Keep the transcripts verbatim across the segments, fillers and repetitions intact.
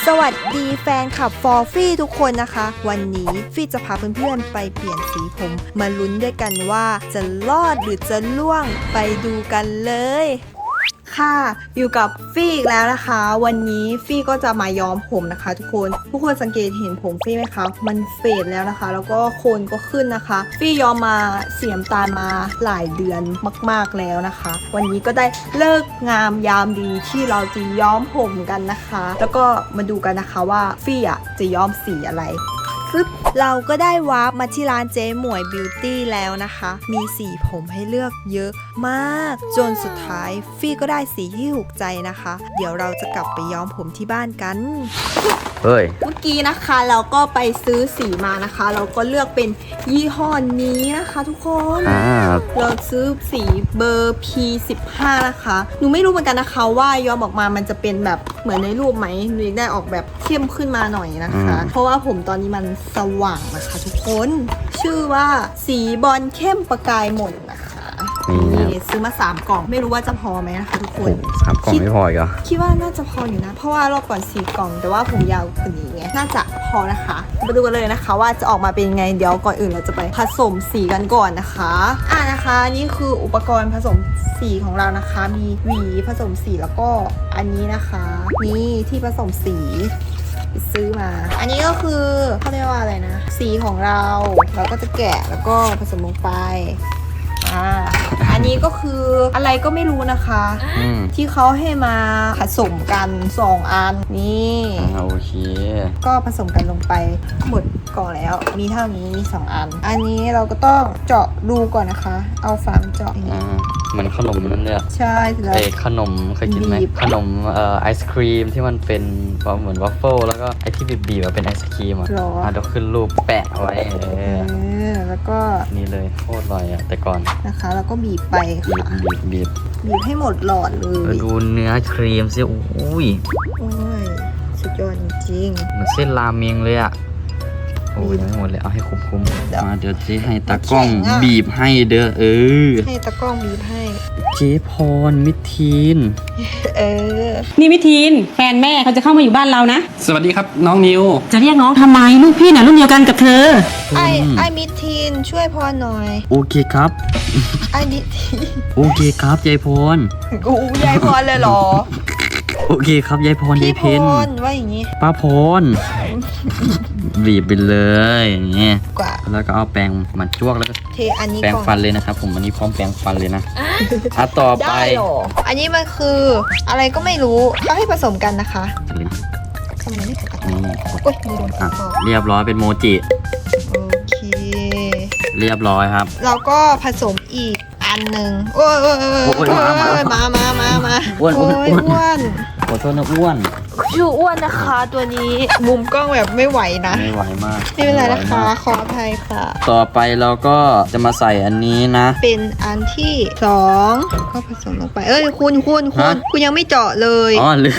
สวัสดีแฟนคลับฟอร์ฟี่ทุกคนนะคะ วันนี้ฟี่จะพาเพื่อนๆไปเปลี่ยนสีผมมาลุ้นด้วยกันว่าจะรอดหรือจะล่วงไปดูกันเลยค่ะอยู่กับฟี่อีกแล้วนะคะ วันนี้ฟี่ก็จะมาย้อมผมนะคะ ทุกคนทุกคนสังเกตเห็นผมฟี่ไหมคะมันเฟดแล้วนะคะแล้วก็โคนก็ขึ้นนะคะฟี่ย้อมมาเสียมตาลมาหลายเดือนมากๆแล้วนะคะวันนี้ก็ได้เลิกงามยามดีที่เราจะย้อมผมกันนะคะแล้วก็มาดูกันนะคะว่าฟี่อ่ะจะย้อมสีอะไรเราก็ได้วาร์ปมาที่ร้านเจ๊หมวยบิวตี้แล้วนะคะมีสีผมให้เลือกเยอะมากจนสุดท้ายฟี่ก็ได้สีที่ถูกใจนะคะเดี๋ยวเราจะกลับไปย้อมผมที่บ้านกันเฮ้ยเมื่อกี้นะคะเราก็ไปซื้อสีมานะคะเราก็เลือกเป็นยี่ห้อนี้นะคะทุกคนเราซื้อสีเบอร์ พี สิบห้า นะคะหนูไม่รู้เหมือนกันนะคะว่าย้อมออกมามันจะเป็นแบบเหมือนในรูปไหมหนูอยากได้ออกแบบเข้มขึ้นมาหน่อยนะคะเพราะว่าผมตอนนี้มันสว่างนะคะทุกคนชื่อว่าสีบอลเข้มประกายหม่นนะคะนี่ซื้อมาสามกล่องไม่รู้ว่าจะพอไหมนะคะทุกคนสามกล่องไม่พออีกเหรอคิดว่าน่าจะพออยู่นะเพราะว่ารอบก่อนสี่กล่องแต่ว่าผมยาวกว่านี้ไงน่าจะพอนะคะมาดูกันเลยนะคะว่าจะออกมาเป็นไงเดี๋ยวก่อนอื่นเราจะไปผสมสีกันก่อนนะคะอ่านะคะนี่คืออุปกรณ์ผสมสีของเรานะคะมีหวีผสมสีแล้วก็อันนี้นะคะนี่ที่ผสมสีซื้อมาอันนี้ก็คือเขาเรียกว่าอะไรนะสีของเราเราก็จะแกะแล้วก็ผสมลงไปอ่าอันนี้ก็คืออะไรก็ไม่รู้นะคะที่เขาให้มาผสมกันสองอันนี่โอเคก็ผสมกันลงไปหมดกล่องแล้วมีเท่านี้มีสองอันอันนี้เราก็ต้องเจาะรูก่อนนะคะเอาฝาเจาะอย่างนี้เหมือนขนมนั่นเลยใช่แล้วขนมเคยกินไหมขนมเอ่อไอศครีมที่มันเป็นเหมือนวัฟเฟิลแล้วก็ไอที่บีบๆเป็นไอศครีมอ่ะอ่ะเดี๋ยวขึ้นรูปแปะไว้เออแล้วก็นี่เลยโคตรอร่อยอ่ะแต่ก่อนนะคะแล้วก็บีบไปบีบบีบบีบบีบให้หมดหลอดเลยดูเนื้อครีมสิอุ้ยโอ้ยสุดยอดจริงเหมือนเส้นราเมงเลยอ่ะโอ้ยยังไม่หมดเลยเอาให้คุ้มๆมาเดี๋ยวเจ๊ให้ตากล้องบีบให้เด้อเออให้ตากล้องบีบให้เจ๊พรมิทีนเออนี่มิทีนแฟนแม่เขาจะเข้ามาอยู่บ้านเรานะสวัสดีครับน้องนิวจะเรียกน้องทำไมลูกพี่น่ะรุ่นเดียวกันกับเธอไอไอมิทีนช่วยพรหน่อยโอเคครับไอมิทีนโอเคครับยายพรกูยายพรเลยเหรอโอเคครับยายพรยายเพนพี่พรว่าอย่างนี้ป้าพรบีบไปเลยอย่างเงี้ยแล้วก็เอาแปรงมาจ้วกแล้วก็เทอันนี้แปรงฟันเลยนะครับผมอันนี้พร้อมแปรงฟันเลยนะอ่ะต่อไปอันนี้มันคืออะไรก็ไม่รู้เขาให้ผสมกันนะคะทำไมไม่ใส่กระตุ้นโอ๊ยโดนคอเรียบร้อยเป็นโมจิโอเคเรียบร้อยครับเราก็ผสมอีกอันหนึ่งโอ้ยโอ้ยโอ้ยมามามามาอ้วนอ้วนอ้วนขอโทษนะอ้วนชื่ออ้วนนะคะตัวนี้มุมกล้องแบบไม่ไหวนะไม่ไหวมากไม่เป็นไรนะคะขออภัยค่ะต่อไปเราก็จะมาใส่อันนี้นะเป็นอันที่สองก็ผสมลงไปเอ้ยคุณคุณคุณคุณยังไม่เจาะเลยอ๋อเลย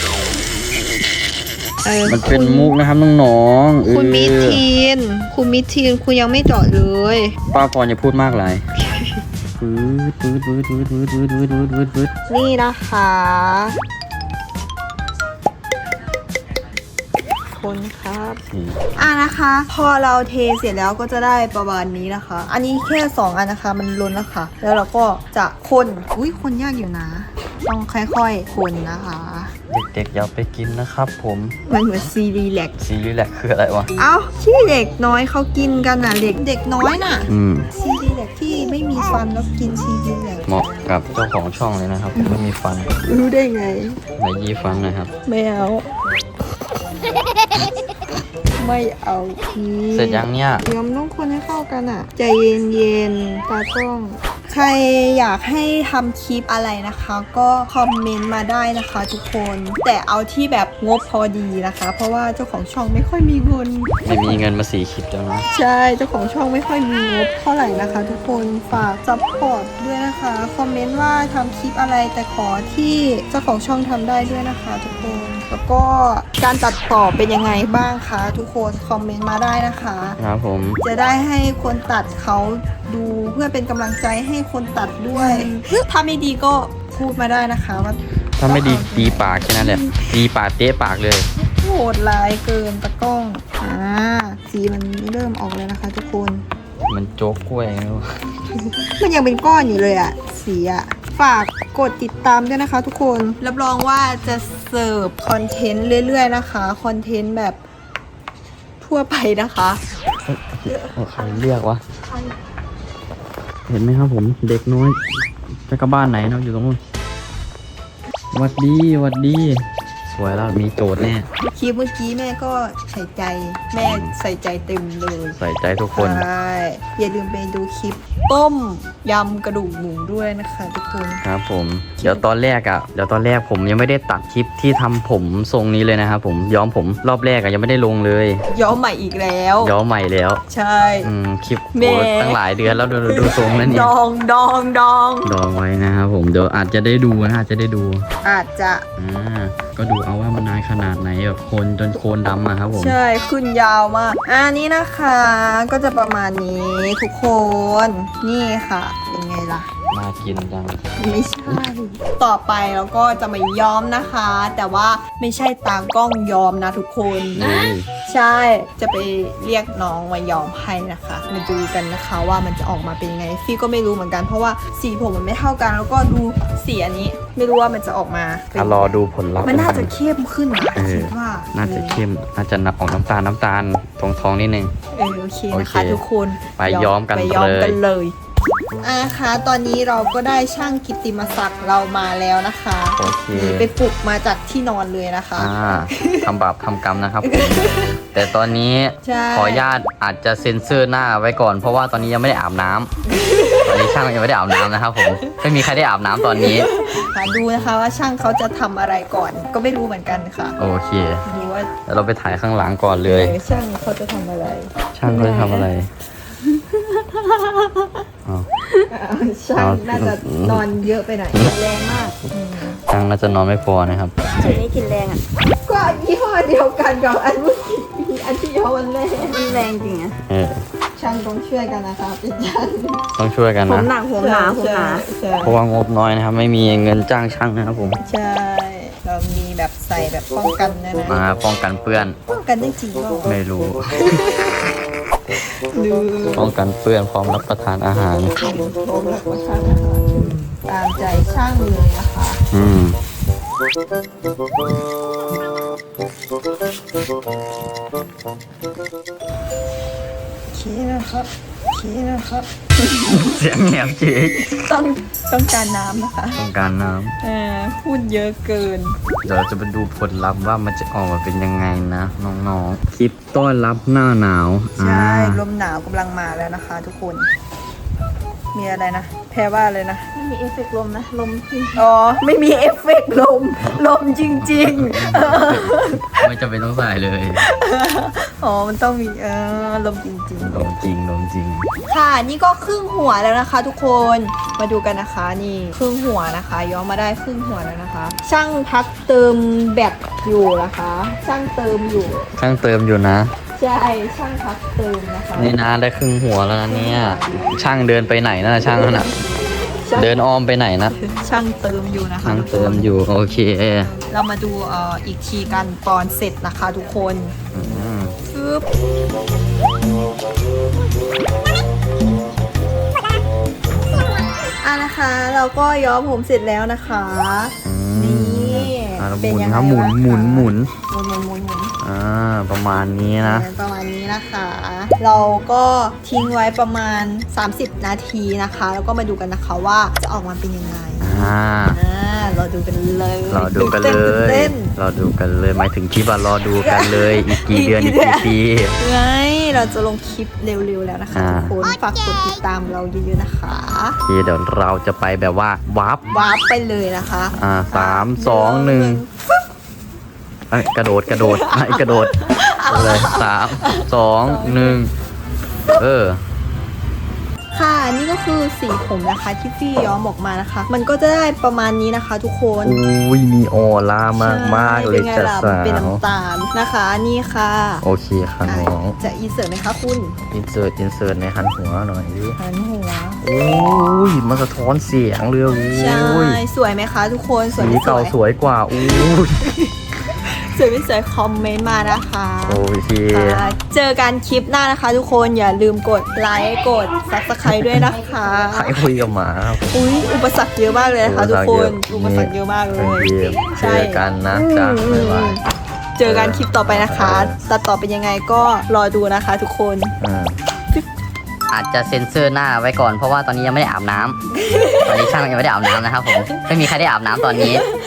มันเป็นมุกนะครับน้องๆคุณมิทีนคุณมิทีนคุณยังไม่เจาะเลยป้าพรอย่าพูดมากเลยฟืดฟืดฟืดฟืดฟืดฟืดฟืดฟืดฟืดฟืดนี่นะคะคนครับอ่ะนะคะพอเราเทเสร็จแล้วก็จะได้ประมาณนี้นะคะอันนี้แค่สองอันนะคะมันล้นแล้วค่ะแล้วเราก็จะคนอุ้ยคนยากอยู่นะต้องค่อยๆคนนะคะเด็กๆอย่าไปกินนะครับผมมันเหมือนซีรีแลกซีรีแลกคืออะไรวะเอ้าที่เด็กน้อยเขากินกันน่ะเด็กเด็กน้อยน่ะซีรีแลกที่ไม่มีฟันแล้วกินซีรีแลกเหมาะกับเจ้าของช่องเลยนะครับผมไม่มีฟันรู้ได้ไงไหนยี่ฟันนะครับไม่เอาไม่เอาทีเสร็จยังเนี่ยเดี๋ยวมันต้องคนให้เข้ากันอ่ะใจเย็นๆตากล้องใครอยากให้ทำคลิปอะไรนะคะก็คอมเมนต์มาได้นะคะทุกคนแต่เอาที่แบบงบพอดีนะคะเพราะว่าเจ้าของช่องไม่ค่อยมีเงินไม่มีเงินมาสีคลิปแล้วนะใช่เจ้าของช่องไม่ค่อยมีงบเท่าไหร่นะคะทุกคนฝากซัพพอร์ตด้วยนะคะคอมเมนต์ว่าทำคลิปอะไรแต่ขอที่เจ้าของช่องทำได้ด้วยนะคะทุกคนแล้วก็การตัดต่อเป็นยังไงบ้างคะทุกคนคอมเมนต์มาได้นะคะครับผมจะได้ให้คนตัดเขาดูเพื่อเป็นกำลังใจให้คนตัดด้วยถ้าไม่ดีก็พูดมาได้นะคะว่าถ้าไม่ดีตีปากแค่นั้นแหละตีปากเตะปากเลยโหดลายเกินตะกล้องอ่าสีมันเริ่มออกเลยนะคะ ทุกคนมันโจ๊กกล้วยไงวะมันยังเป็นก้อนอยู่เลยอะสีอะฝากกดติดตามด้วยนะคะ ทุกคนรับรองว่าจะเสิร์ฟคอนเทนต์เรื่อยๆนะคะคอนเทนต์แบบทั่วไปนะคะใครเรียกวะเห็นไหมครับผมเด็กน้อยจะกลับบ้านไหนเนาะอยู่ตรงนู้นหวัดดีหวัดดีสวยแล้วมีโจทย์แน่คลิปเมื่อกี้แม่ก็ใส่ใจแม่ใส่ใจเต็มเลยใส่ใจทุกคนใช่อย่าลืมไปดูคลิปต้มยำกระดูกหมูด้วยนะคะทุกคนครับผมเดี๋ยวตอนแรกอ่ะเดี๋ยวตอนแรกผมยังไม่ได้ตัดคลิปที่ทำผมทรงนี้เลยนะครับผมย้อมผมรอบแรกอ่ะยังไม่ได้ลงเลยย้อมใหม่อีกแล้วย้อมใหม่แล้วใช่อืมคลิปแม่โอ้ตั้งหลายเดือนแล้วดูดูดูทรงแล้วเนี่ดยองดองดองดองไว้นะครับผมเดี๋ยวอาจจะได้ดูนะอาจจะได้ดูอาจจะอ่าก็ดูเอาว่ามันนานขนาดไหนแบบโคนจนโคนดำอะครับผมใช่ขึ้นยาวมากอ่านี่นะคะก็จะประมาณนี้ทุกคนนี่ค่ะเป็นไงล่ะน่ากินจังไม่ใช่ ต่อไปเราก็จะมาย้อมนะคะ แต่ว่าไม่ใช่ตามกล้องย้อมนะทุกคนนี่ใช่จะไปเรียกน้องมาย้อมให้นะคะมาดูกันนะคะว่ามันจะออกมาเป็นยังไงฟี่ก็ไม่รู้เหมือนกันเพราะว่าสีผมมันไม่เท่ากัน แล้วก็ดูสีอันนี้ ไม่รู้ว่ามันจะออกมาเป็นอ่ะรอดูผลลัพธ์มันน่าจะเข้มขึ้นนะเออคิดว่าน่าจะเข้มน่าจะออกน้ำตาลน้ำตาลตรงท้องนิดนึงเออโอเคโอนะเคคะทุกคนไปย้อมกันไปย้อมกันเลยเลยอ่ะคะตอนนี้เราก็ได้ช่างกิตติมศักดิ์เรามาแล้วนะคะโอเคนี่ไปปลุกมาจากที่นอนเลยนะคะอ่าทำบาปทำกรรมนะครับผม แต่ตอนนี้ใช่ขออนุญาตอาจจะเซ็นเซอร์หน้าไว้ก่อนเพราะว่าตอนนี้ยังไม่ได้อาบน้ำ ตอนนี้ช่างยังไม่ได้อาบน้ำนะครับผมไม่มีใครได้อาบน้ำตอนนี้ค่ะดูนะคะว่าช่างเขาจะทำอะไรก่อน ก็ไม่รู้เหมือนกันค่ะโอเคดูว่าเดี๋ยวเราไปถ่ายข้างหลังก่อนเลยเออช่างเขาจะทำอะไรช่างเขาจะทำอะไรอ้าวอ่าช่างน่าจะนอนเยอะไปหน่อยแรงมากอืมช่างน่าจะนอนไม่พอนะครับอันนี้กินแรงอ่ะก็ยี่ห้อเดียวกันกับอันเมื่อกี้อันที่ย้อมวันแรกมันแรงจริงอ่ะเออช่างต้องช่วยกันนะคะเป็นช่างต้องช่วยกันผมนะหนักผมหนาผมหนาใช่เพราะว่างบน้อยนะครับ ไม่มีเงินจ้างช่างนะครับผมใช่ เรามีแบบใส่แบบป้องกันนะนะมาป้องกันเปื้อนป้องกันได้จริงเปล่าไม่รู้ดูป้องกันเปื้อนพร้อมรับประทานอาหารโอ้โหแบบว่าช่างนะคะตามใจช่างเลยนะคะอืมโอเคนะครับโอเคนะครับเสียงแหบเจ๊ต้องต้องการน้ำนะคะต้องการน้เออพูดเยอะเกินำเดี๋ยวเราจะไปดูผลลัพธ์ว่ามันจะออกมาเป็นยังไงนะน้องๆคลิปต้อนรับหน้าหนาวใช่อ่าลมหนาวกำลังมาแล้วนะคะ ทุกคน มีอะไรนะ แพ้ว่าเลยนะไม่มีเอฟเฟกต์ลมนะ ลมขึ้นอ๋อ ไม่มีเอฟเฟกต์ลม ลมจริงๆเออไม่จำเป็นต้องใส่เลยอ๋อ มันต้องมีเออลมจริงลมจริงลมจริงๆ ค่ะ นี่ก็ครึ่งหัวแล้วนะคะ ทุกคน มาดูกันนะคะ นี่ครึ่งหัวนะคะย้อมมาได้ครึ่งหัวแล้วนะคะ ช่างพักเติมแบตอยู่นะคะ ช่างเติมอยู่ช่างเติมอยู่นะใช่ ช่างพักเติมนะคะนี่นะได้ครึ่งหัวแล้วนะเนี่ย ช่างเดินไปไหนนะช่างนั่นน่ะช่างเดินอ้อมไปไหนนะช่างเติมอยู่นะคะช่างทุกคนเติมอยู่โอเคเรามาดูเอ่ออีกทีกันตอนเสร็จนะคะทุกคนอืมปึ๊บอ่ะนะคะ เราก็ย้อมผมเสร็จแล้วนะคะอืมนี่อ่ะเราหเป็นมุนยังไงครับหมุนบ้างคะหมุนหมุนหมุนหมุนหมุนหมุนอ่าประมาณนี้นะประมาณนี้นะคะ เราก็ทิ้งไว้ประมาณ สามสิบ นาทีนะคะ แล้วก็มาดูกันนะคะว่าจะออกมาเป็นยังไงอ่าอ่าเราดูกันเลยเราดูกันเลตื่ยเต้นเราดูกันเลยหมายถึงคลิปว่ารอดูกันเลย อีกกี่เดือนอีกกี่ปีไงเราจะลงคลิปเร็วๆแล้วนะคะอ่าทุกคนฝากกดติดตามเราเยอะๆนะคะโอเคเดี๋ยวเราจะไปแบบว่าวับวาร์ปไปเลยนะคะอ่าสามสองหนึ่งเอ้ยกระโดดกระโดดไอ้ยกระโดดเลยสามสองหนึ่งเออค่ะนี่ก็คือสีผมนะคะที่พี่ย้อมออกมานะคะ มันก็จะได้ประมาณนี้นะคะ ทุกคนอุ้ยมีออร่ามากมากๆเลยใช่จ้ะป็นไงล่ะสาเป็นวน้ำตาลนะคะนี่ค่ะโอเคค่ะน้องจะอินเสิร์ตไหมคะคุณอินเสิร์ตอินเสิร์ตในหันหัวหน่อยดิหันหัวโอ้ยมันสะท้อนเสียงเลยโอ้ใช่ยสวยไหมคะ ทุกคนสวยสีไม่สเก่าวยสวยกว่าอู้ยสวยไม่สวยคอมเมนต์มานะคะโอเคค่ะเจอกันคลิปหน้านะคะ ทุกคนอย่าลืมกดไลค์กด ซับสไครต์ด้วยนะคะใครคุยกับหมาครับอุ้ยอุปสรรคเยอะมากเลยนะคะทุกคนอุปสรรคเยอะมากเลโอย เคเจอกันนะจ๊ะอืมบ๊ายบายเจอกันคลิปต่อไปนะคะตัดต่อเป็นยังไงก็รอดูนะคะทุกคนอ่าอาจจะเซ็นเซอร์หน้าไว้ก่อนเพราะว่าตอนนี้ยังไม่ได้อาบน้ำ ตอนนี้ช่างยังไม่ได้อาบน้ำนะครับผม ไม่มีใครได้อาบน้ำตอนนี้